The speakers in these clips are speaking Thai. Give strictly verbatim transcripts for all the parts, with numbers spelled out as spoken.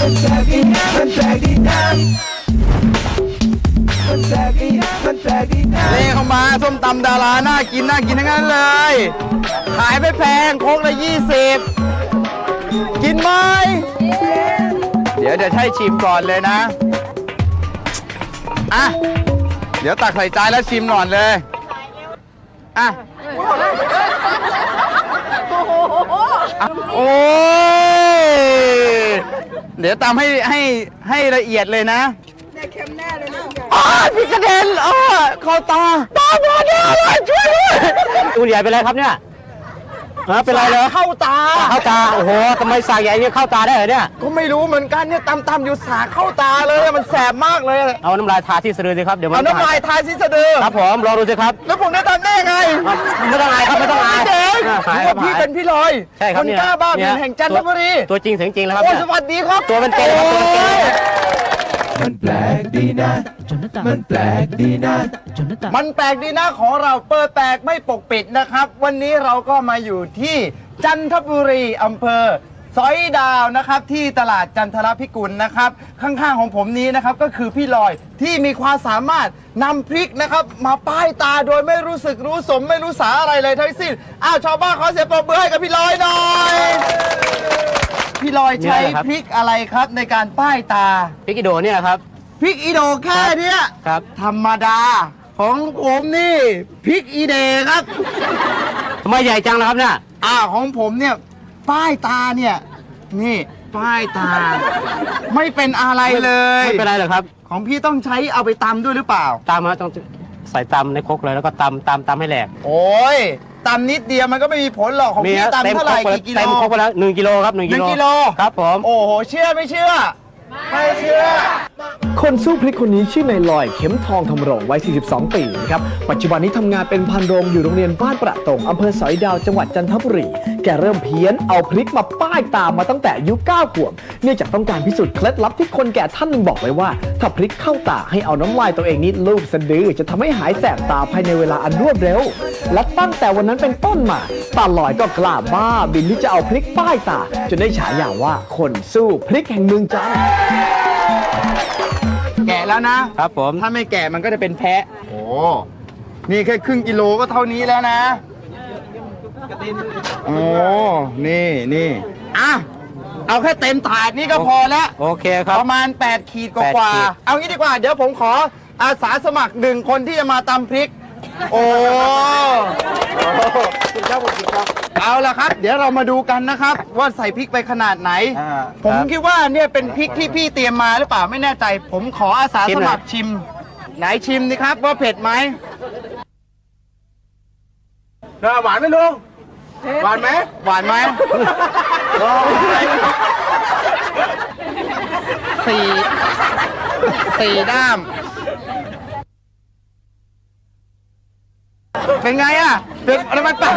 มันแปลกดีมันแปลกดีนะมันแปลกดีมันแปลกดีนะนี่เข้ามาส้มตำดาราน่ากินน่ากินทั้งนั้นเลยขายไม่แพงโคกละยี่สิบกินไหมเดี๋ยวเดี๋ยวให้ชิมก่อนเลยนะอ่ะเดี๋ยวตักใส่จานแล้วชิมก่อนเลยอ่ะโอ้ยเดี๋ยวตำให้ให้ให้ละเอียดเลยนะเนี่ยเค็มแน่เลยนะอ๋อพี่กระเด็นอ๋อเข้าตาตาบอดเลยช่วยด้วยคุณใหญ่เป็นไรครับเนี่ยเป็นไรเหรอเข้าตาเข้าตาโอ้โหทำไมสากใหญ่เนี่ยเข้าตาได้เหรอเนี่ยก็ไม่รู้เหมือนกันเนี่ยตำตำอยู่สากเข้าตาเลยมันแสบมากเลยเอาน้ำลายทาที่สะดือสิครับเดี๋ยวมันเอาน้ำลายทาที่สะดือครับผมรอดูสิครับแล้วผมได้ตำได้ไงไม่ต้องอายครับไม่ต้องอายเด็กว่าพี่เป็นพี่ลอยใช่ครับคนกล้าบ้าเป็นแห่งจันทบุรีตัวจริงเสียงจริงแล้วครับโอ้สวัสดีครับตัวเป็นเก่งครับตัวเป็นเก่งมันแปลกดีนะมันแปลกดีนะมันแปลกดีนะของเราเปิดแปลกไม่ปกปิดนะครับวันนี้เราก็มาอยู่ที่จันทบุรีอำเภอสอยดาวนะครับที่ตลาดจันทรพิกุลนะครับข้างๆของผมนี้นะครับก็คือพี่ลอยที่มีความสามารถนำพริกนะครับมาป้ายตาโดยไม่รู้สึกรู้สมไม่รู้สาอะไรเลยทั้งสิ้นอ้าวชาวบ้านขอเสียงปรบมือให้กับพี่ลอยหน่อยพี่ลอยใช้พริกอะไรครับในการป้ายตาพริกอีโดเนี่ยครับพริกอีโดแค่เนี้ยครับธรรมดาของผมนี่พริกอีเดครับทำไมใหญ่จังนะครับเนี่ยอ่าของผมเนี่ยป้ายตาเนี่ยนี่ป้ายตาไม่เป็นอะไรเลยไม่เป็นไรหรอกครับของพี่ต้องใช้เอาไปตำด้วยหรือเปล่าตำฮะต้องใส่ตำในครกเลยแล้วก็ตำตำตำให้แหลกโอ้ยตำนิดเดียวมันก็ไม่มีผลหรอกของพี่ตำเท่าไหร่กี่กิโลเต็มครกไปแล้วหนึ่งกิโลครับหนึ่งกิโลครับผมโอ้โหเชื่อไม่เชื่อไม่เชื่อคนสู้พริกคนนี้ชื่อนายลอยเข็มทองธรรมรงค์วัยสี่สิบสองปีนะครับปัจจุบันนี้ทำงานเป็นพันโรงอยู่โรงเรียนบ้านประตงอำเภอสอยดาวจังหวัดจันทบุรีแกเริ่มเพี้ยนเอาพริกมาป้ายตามาตั้งแต่อายุเก้าขวบเนื่องจากต้องการพิสูจน์เคล็ดลับที่คนแก่ท่านหนึ่งบอกไว้ว่าถ้าพริกเข้าตาให้เอาน้ำลายตัวเองนิดลูบสะดือจะทำให้หายแสบตาภายในเวลาอันรวดเร็วและตั้งแต่วันนั้นเป็นต้นมาตาลอยก็กล้าบ้าบินที่จะเอาพริกป้ายตาจนได้ฉายาว่าคนสู้พริกแห่งเมืองจันทร์แกะแล้วนะครับผมถ้าไม่แกะมันก็จะเป็นแพะโอ้นี่แค่ครึ่งกิโลก็เท่านี้แล้วนะโอ้นี่นี่อ่ะเอาแค่เต็มถาดนี่ก็พอแล้วโอเคครับประมาณแปดขีดกว่าเอางี้ดีกว่าเดี๋ยวผมขออาสาสมัครหนึ่งคนที่จะมาตำพริกโอ้คุณเจ้าผมครับเอาละครับเดี๋ยวเรามาดูกันนะครับว่าใส่พริกไปขนาดไหนผมคิดว่าเนี่ยเป็นพริกที่พี่เตรียมมาหรือเปล่าไม่แน่ใจผมขออาสาสมัครชิมไหนชิมดิครับว่าเผ็ดไหมหวานไหมลุงหวานไหมหวานไหมสี่สี่ด้ามเป็นไงอ่ะเป็นอะไรมันปะ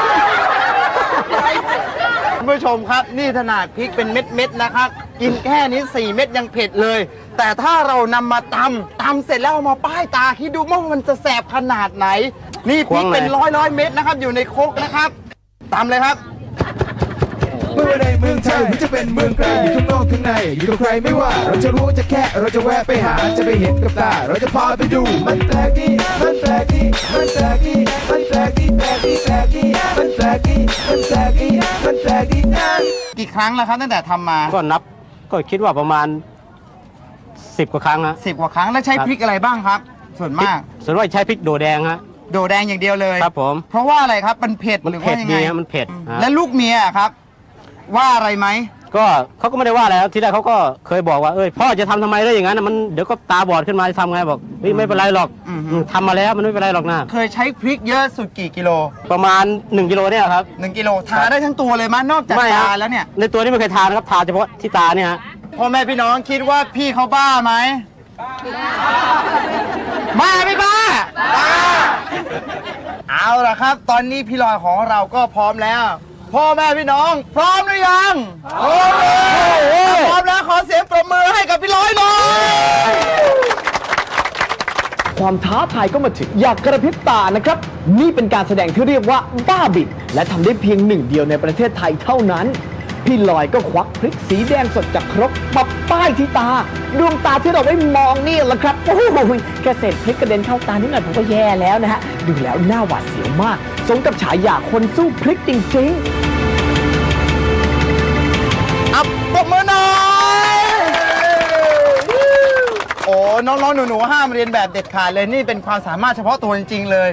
คุณผู้ชมครับนี่ขนาดพริกเป็นเม็ดๆนะครับกินแค่นี้สี่เม็ดยังเผ็ดเลยแต่ถ้าเรานำมาตำตำเสร็จแล้วเอามาป้ายตาคิดดูว่ามันจะแสบขนาดไหนนี่พริกเป็นร้อยร้อยเม็ดนะครับอยู่ในครกนะครับตำเลยครับเมื่อในเมืองไทยหรือจะเป็นเมืองไกลอยู่ข้างนอกข้างในอยู่กับใครไม่ว่าเราจะรู้จะแค่เราจะแวะไปหาจะไปเห็นกับตาเราจะพาไปดูมันแปลกดีมันแปลกดีมันแปลกดีมันแปลกดีแปลกดีแปลกดีมันแปลกดีมันแปลกดีมันแปลกดีนะกี่ครั้งแล้วครับตั้งแต่ทำมาก็นับก็คิดว่าประมาณสิบกว่าครั้งนะสิบกว่าครั้งแล้วใช้พริกอะไรบ้างครับส่วนมากส่วนมากใช้พริกโดแดงฮะโดแดงอย่างเดียวเลยครับผมเพราะว่าอะไรครับมันเผ็ดหรือว่ายังไงมันเผ็ดและลูกเมียครับว่าอะไรไหมก็เขาก็ไม่ได้ว่าอะไรทีแรกเขาก็เคยบอกว่าเอ้ยพ่อจะทำทำไมได้อย่างนั้นมันเดี๋ยวก็ตาบอดขึ้นมาจะทำไงบอกไม่เป็นไรหรอกทำมาแล้วมันไม่เป็นไรหรอกนะเคยใช้พริกเยอะสุดกี่กิโลประมาณหนึ่งกิโลเนี่ยครับหนึ่งกิโลทาได้ทั้งตัวเลยมั้ยนอกจากตาแล้วเนี่ยในตัวนี้ไม่เคยทานะครับทาเฉพาะที่ตาเนี่ยพ่อแม่พี่น้องคิดว่าพี่เขาบ้าไหมบ้าไม่บ้าบ้าเอาล่ะครับตอนนี้พี่ลอยของเราก็พร้อมแล้วพ่อแม่พี่น้องพร้อมหรือยังพร้อมแล้วพร้อมแล้วขอเสียงปรบมือให้กับพี่ลอยหน่อยความท้าทายก็มาถึงอยากกระพริบตานะครับนี่เป็นการแสดงที่เรียกว่าบ้าบินและทำได้เพียงหนึ่งเดียวในประเทศไทยเท่านั้นพี่ลอยก็ควักพริกสีแดงสดจากครกมาป้ายที่ตาดวงตาที่เราได้มองนี่แหละครับโอ้โหแค่เศษพริกกระเด็นเข้าตานิดหน่อยผมก็แย่แล้วนะฮะดูแล้วหน้าหวาดเสียวมากสมกับฉายาคนสู้พริกจริงๆอับปรบมือหน่อยโอ้น้องๆหนูๆห้ามเรียนแบบเด็ดขาดเลยนี่เป็นความสามารถเฉพาะตัวจริงๆเลย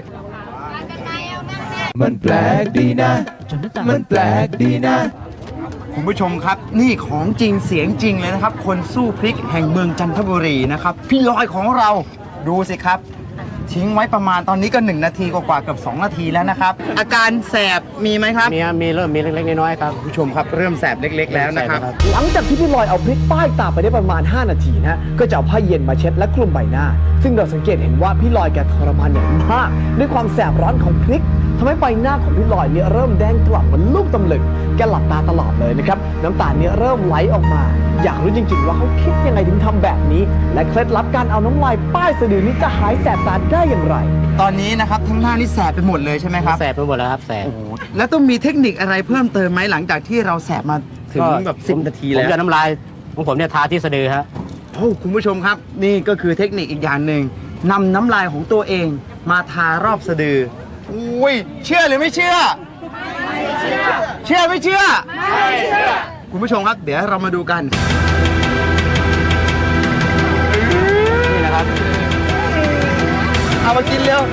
มันแปลกดีนะมันแปลกดีนะคุณผู้ชมครับนี่ของจริงเสียงจริงเลยนะครับ คนสู้พริกแห่งเมืองจันทบุรีนะครับพี่ลอยของเราดูสิครับทิ้งไว้ประมาณตอนนี้ก็หนึ่งนาทีกว่าๆเกือบสองนาทีแล้วนะครับอาการแสบมีไหมครับมีมีเริ่มมีเล็กๆน้อยๆครับคุณผู้ชมครับเริ่มแสบเล็กๆแล้วนะครับหลังจากที่พี่ลอยเอาพริกป้ายตาไปได้ประมาณห้านาทีนะก็จะเอาผ้าเย็นมาเช็ดและคลุมใบหน้าซึ่งเราสังเกตเห็นว่าพี่ลอยแกทรมานอย่างมากด้วยความแสบร้อนของพริกทำให้ใบหน้าของพี่ลอยเนี่ยเริ่มแดงกล่ำเหมือนลูกตำลึงแกหลับตาตลอดเลยนะครับน้ำตาเนี่ยเริ่มไหลออกมาอยากรู้จริงๆว่าเขาคิดยังไงถึงทำแบบนี้และเคล็ดลับการเอาน้ำลายป้ายสะดือนี้จะหายแสบตาได้อย่างไรตอนนี้นะครับทั้งหน้านี่แสบไปหมดเลยใช่ไหมครับแสบไปหมดแล้วครับแสบแล้วต้องมีเทคนิคอะไรเพิ่มเติมไหมหลังจากที่เราแสบมาถึงแบบสิบนาทีแล้วผมจะน้ำลายของผมเนี่ยทาที่สะดือครับโอ้คุณผู้ชมครับนี่ก็คือเทคนิคอีกอย่างหนึ่งนำน้ำลายของตัวเองมาทารอบสะดืออุ้ยเชื่อหรือไม่เชื่อไม่เชื่อเชื่อไม่เชื่อไม่เชื่อคุณผู้ชมครับเดี๋ยวเรามาดูกันนี่นะครับเอามากินเร็ว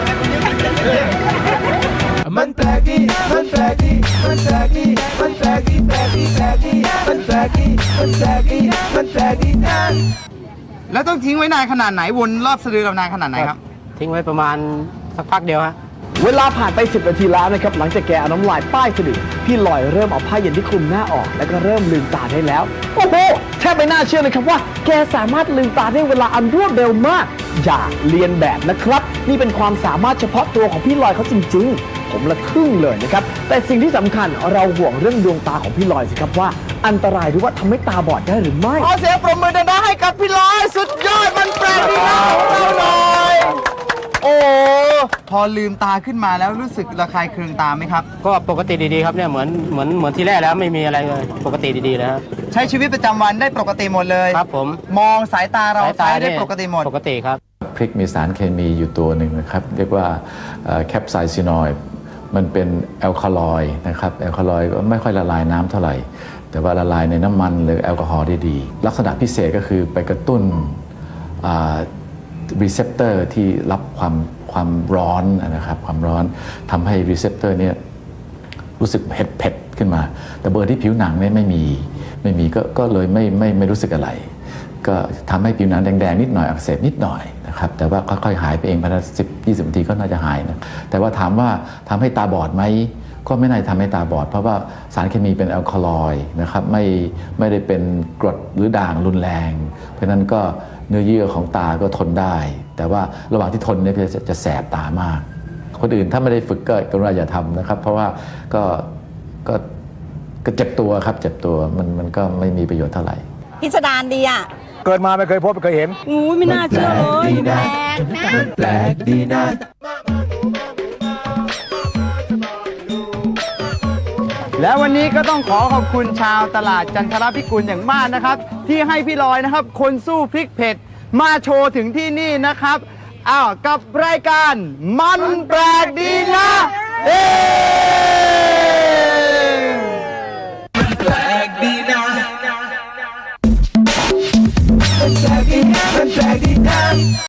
มันแปลกดีมันแปลกดีมันแปลกดีมันแปลกดีแปลกดีแปลกดีมันแปลกดีมันแปลกดีมันแปลกดีนะแล้วต้องทิ้งไว้นานขนาดไหนวนรอบสะดือเรานานขนาดไหนครับทิ้งไว้ประมาณสักพักเดียวฮะเวลาผ่านไปสิบนาทีแล้วนะครับหลังจากแกเอาน้ำลายป้ายสะดือพี่ลอยเริ่มเอาผ้าเย็นที่คลุมหน้าออกแล้วก็เริ่มลืมตาได้แล้วโอ้โหแทบไม่น่าเชื่อเลยครับว่าแกสามารถลืมตาได้เวลาอันรวดเร็วมากอย่าเลียนแบบนะครับนี่เป็นความสามารถเฉพาะตัวของพี่ลอยเขาจริงๆผมละทึ่งเลยนะครับแต่สิ่งที่สำคัญเราห่วงเรื่องดวงตาของพี่ลอยสิครับว่าอันตรายหรือว่าทำให้ตาบอดได้หรือไม่ขอเสียงปรบมือดังๆให้กับพี่ลอยสุดยอดมันแปลกดีนะของเราหน่อยโอ้พอลืมตาขึ้นมาแล้วรู้สึกระคายเคืองตาไหมครับก็ปกติดีๆครับเนี่ยเหมือนเหมือนเหมือนที่แรกแล้วไม่มีอะไรเลยปกติดีๆแล้วใช้ชีวิตประจำวันได้ปกติหมดเลยครับผมมองสายตาเราใช้ได้ปกติหมดปกติครับพริกมีสารเคมีอยู่ตัวหนึ่งนะครับเรียกว่าแคปไซซินอยด์มันเป็นแอลคาลอยด์นะครับแอลคาลอยด์ก็ไม่ค่อยละลายน้ำเท่าไหร่แต่ว่าละลายในน้ำมันหรือแอลกอฮอล์ได้ดีลักษณะพิเศษก็คือไปกระตุ้นรีเซพเตอร์ที่รับความความร้อนนะครับความร้อนทำให้รีเซพเตอร์เนี่ยรู้สึกเผ็ดเผ็ดขึ้นมาแต่เบอร์ที่ผิวหนังเนี่ยไม่มีไม่มีก็ก็เลยไม่ไม่ไม่รู้สึกอะไรก็ทำให้ผิวหนังแดงๆนิดหน่อยอักเสบนิดหน่อยนะครับแต่ว่าค่อยๆหายไปเองภายในสิบยี่สิบนาทีก็น่าจะหายนะแต่ว่าถามว่าทำให้ตาบอดไหมก็ไม่น่าทำให้ตาบอดเพราะว่าสารเคมีเป็นแอลกอฮอล์นะครับไม่ไม่ได้เป็นกรดหรือด่างรุนแรงเพราะนั้นก็เนื้อเยื่อของตาก็ทนได้แต่ว่าระหว่างที่ทนเนี่ยจะจะแสบตามากคนอื่นถ้าไม่ได้ฝึกก็กรุณาอย่าทำนะครับเพราะว่าก็ก็ก็เจ็บตัวครับเจ็บตัวมันมันก็ไม่มีประโยชน์เท่าไหร่พิสดารดีอ่ะเกิดมาไม่เคยพบไม่เคยเห็นอู้ไม่น่าเชื่อเลยแปลกนะมันแปลกดีนะและวันนี้ก็ต้องขอขอบคุณชาวตลาดจันทรพิกุลอย่างมากนะครับที่ให้พี่ลอยนะครับคนสู้พริกเผ็ดมาโชว์ถึงที่นี่นะครับอ้าวกับรายการมันแปลกดีนะเอ๊มันแปลกดีนะมันแปลกดีมันแปลกดีนะ